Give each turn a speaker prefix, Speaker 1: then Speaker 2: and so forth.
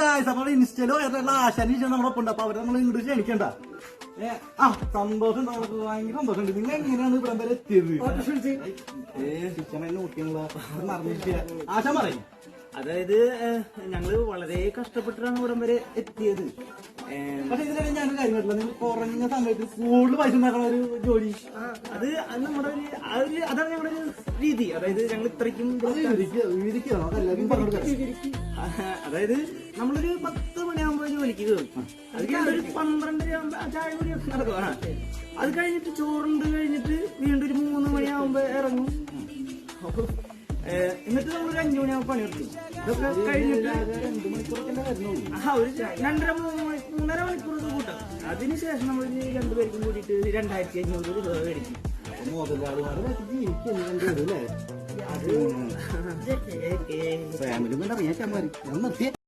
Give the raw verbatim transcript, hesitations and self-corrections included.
Speaker 1: Guys അപ്പോൾ ഇൻസ്റ്റയിലോ ഏതാണ്ട് ആശാനി നമ്മുടെ ഒപ്പം ഉണ്ട്. അപ്പൊ അവരെ നമ്മൾ ഇങ്ങോട്ട് ക്ഷണിക്കണ്ട. ഏഹ് ആ സന്തോഷം നമുക്ക് ഭയങ്കര സന്തോഷമുണ്ട്. നിങ്ങൾ എങ്ങനെയാണ് ഇവിടെ വരെ എത്തിയത്? ഏഹ് ശിക്ഷണ നോക്കിയുള്ള മറന്നിട്ടില്ല. ആശാൻ പറയും.
Speaker 2: അതായത് ഞങ്ങള് വളരെ കഷ്ടപ്പെട്ടിട്ടാണ് ഇവിടം വരെ എത്തിയത്.
Speaker 1: പക്ഷെ ഇതിനിടെ ഞാനൊരു കാര്യം കേട്ടില്ല, നിങ്ങൾ കുറഞ്ഞ സമയത്ത് കൂടുതൽ പൈസ ഉണ്ടാക്കുന്ന ഒരു ജോലി.
Speaker 2: അത് അത് നമ്മുടെ ഒരു അതാണ് ഞങ്ങളുടെ ഒരു രീതി. അതായത് ഞങ്ങൾ ഇത്രയ്ക്കും അതായത് നമ്മളൊരു പത്ത് മണിയാകുമ്പോ ജോലിക്ക് കയറും. അത് കഴിഞ്ഞിട്ട് ഒരു പന്ത്രണ്ടര ആകുമ്പോ ചായ കൂടി നടക്കും. അത് കഴിഞ്ഞിട്ട് ചോറുണ്ട് കഴിഞ്ഞിട്ട് വീണ്ടും ഒരു മൂന്ന് മണിയാകുമ്പോ ഇറങ്ങും. എന്നിട്ട് നമ്മളൊരു അഞ്ചു മണിയാകുമ്പോ പണിയെടുക്കും. ഇതൊക്കെ കഴിഞ്ഞിട്ട് രണ്ടു മണിക്കൂറൊക്കെ ആ ഒരു രണ്ടര മൂന്നര മണിക്കൂർ കൂട്ടാം. അതിനുശേഷം നമ്മൾ രണ്ടുപേർക്കും കൂടിയിട്ട് രണ്ടായിരത്തി അഞ്ഞൂറ് രൂപ മേടിക്കും.
Speaker 1: ഫാമിലി അറിയാൻ